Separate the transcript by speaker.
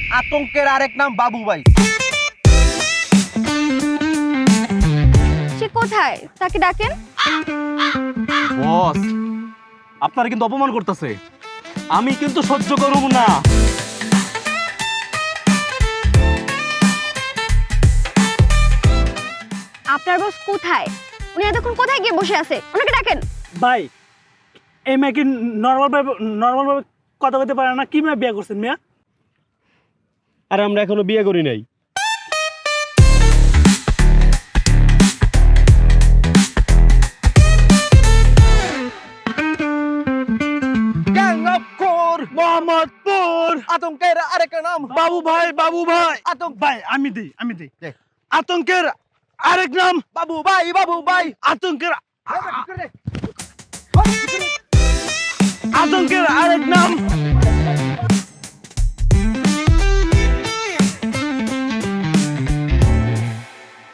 Speaker 1: আতঙ্কের আরেক নাম বাবু ভাই।
Speaker 2: সে কোথায়? তাকে ডাকেন।
Speaker 3: বস, আপনারা কিন্তু অপমান করতেছে, আমি কিন্তু সহ্য করব না।
Speaker 2: আপনার বস কোথায়? উনি এতক্ষণ কোথায় গিয়ে বসে আছে? ওনাকে ডাকেন।
Speaker 4: ভাই এই মেয়ে কি নর্মাল ভাবে কথা বলতে পারে না? কি মেয়ে বিয়ে করছেন মিয়া?
Speaker 3: আর আমরা এখনো বিয়ে করি নাই।
Speaker 1: গ্যাং অফ কোর
Speaker 4: মোহাম্মদপুর।
Speaker 1: আতঙ্কের আরেক নাম
Speaker 4: বাবু ভাই, বাবু ভাই,
Speaker 1: আতঙ্ক
Speaker 4: ভাই আমি দিই।
Speaker 1: দে।
Speaker 4: আতঙ্কের আরেক নাম
Speaker 1: বাবু ভাই, বাবু ভাই।
Speaker 4: আতঙ্কের আতঙ্কের আরেক নাম